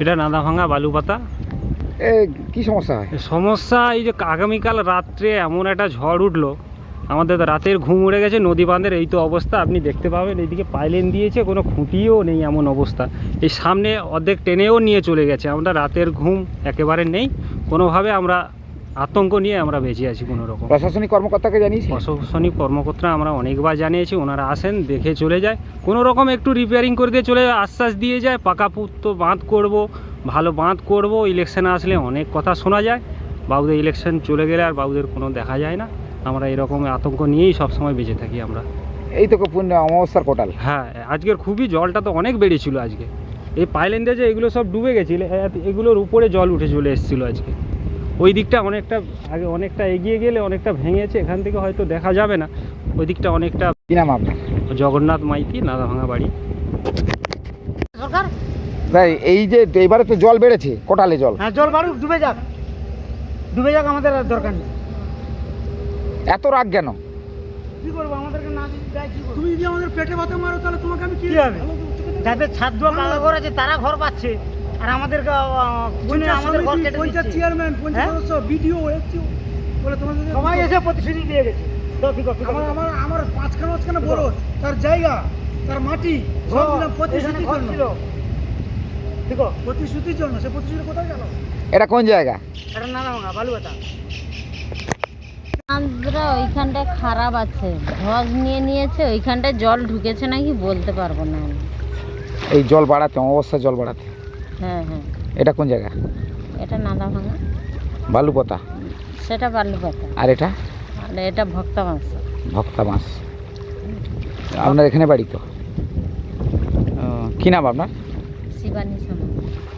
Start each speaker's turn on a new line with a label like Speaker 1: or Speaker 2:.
Speaker 1: এটা নাদাভাঙা বালুপাতা।
Speaker 2: কি সমস্যা হয়?
Speaker 1: সমস্যা এই যে আগামীকাল রাত্রে এমন একটা ঝড় উঠলো, আমাদের তো রাতের ঘুম উড়ে গেছে। নদী বাঁধের এই তো অবস্থা, আপনি দেখতে পাবেন এইদিকে পাইলেন দিয়েছে, কোনো খুঁটিও নেই এমন অবস্থা। এই সামনে অর্ধেক টেনেও নিয়ে চলে গেছে। আমরা রাতের ঘুম একেবারে নেই, কোনোভাবে আমরা আতঙ্ক নিয়ে আমরা বেঁচে আছি কোনো রকম।
Speaker 2: প্রশাসনিক কর্মকর্তাকে জানিয়েছি?
Speaker 1: প্রশাসনিক কর্মকর্তা আমরা অনেকবার জানিয়েছি, ওনারা আসেন, দেখে চলে যায়, কোনো রকম একটু রিপেয়ারিং করে দিয়ে চলে যায়, আশ্বাস দিয়ে যায় পাকাপুক্ত বাঁধ করব, ভালো বাঁধ করব। ইলেকশন আসলে অনেক কথা শোনা যায়, বাবুদের ইলেকশন চলে গেলে আর বাবুদের কোনো দেখা যায় না। আমরা এরকম আতঙ্ক নিয়েই সবসময় বেঁচে থাকি আমরা।
Speaker 2: এই তো অমাবস্যার কোটাল।
Speaker 1: হ্যাঁ, আজকের খুবই জলটা তো অনেক বেড়েছিল আজকে। এই পাইলেন দিয়ে যে এগুলো সব ডুবে গেছিল, এগুলোর উপরে জল উঠে চলে এসেছিলো আজকে। ওই দিকটা অনেকটা আগে, অনেকটা এগিয়ে গেলে অনেকটা ভেঙেছে, এখান থেকে হয়তো দেখা যাবে না। ওই দিকটা অনেকটা।
Speaker 2: কি নাম আপনার?
Speaker 1: জগন্নাথ মাইতি, নাদাভাঙা বাড়ি।
Speaker 3: সরকার
Speaker 2: তাই এই যে এবারে তো জল বেড়েছে, কোটালে জল।
Speaker 3: হ্যাঁ, জল বাড়ুক, ডুবে যাক, আমাদের আর দরকার নেই।
Speaker 2: এত রাগ কেন?
Speaker 3: কি করবো, আমাদেরকে না দেয় কি করবো? তুমি যদি আমাদের পেটে ভাতে মারো তাহলে তোমাকে আমি কি হবে? যাদের ছাদ দেওয়া পাকা ঘর আছে তারা ঘর পাচ্ছে, আর আমাদের আমাদের ঘর কেটে দিচ্ছে। চেয়ারম্যান, পঞ্চায়েত সদস্য, বিডিও, এসডিও বলে তোমাদের সবাই এসে প্রতিশ্রুতি দিয়ে গেছে। তো ঠিক আছে, আমার পাঁচখানা বড় তার জায়গা, তার মাটি সব দিলাম প্রতিশ্রুতির জন্য। ঠিক আছে, প্রতিশ্রুতির জন্য। সে প্রতিশ্রুতি কোথায় গেল?
Speaker 2: এটা কোন জায়গা?
Speaker 3: এটা নাদাভাঙা বালুপাতা।
Speaker 4: আমরা ওইখানটায় খারাপ আছে, ধস নিয়ে নিয়েছে, ওইখানটায় জল ঢুকেছে নাকি বলতে পারবো না আমি।
Speaker 2: এই জল বাড়াতে, অমাবস্যা জল বাড়াতে।
Speaker 4: হ্যাঁ হ্যাঁ,
Speaker 2: এটা কোন জায়গা?
Speaker 4: এটা নাদাভাঙা,
Speaker 2: বালুপতা।
Speaker 4: সেটা বালুপাতা,
Speaker 2: আর এটা?
Speaker 4: আর এটা ভক্তবাস।
Speaker 2: ভক্তা মাছ। আপনার এখানে বাড়ি তো? কি নাম আপনার?
Speaker 4: শিবানী সমাজ।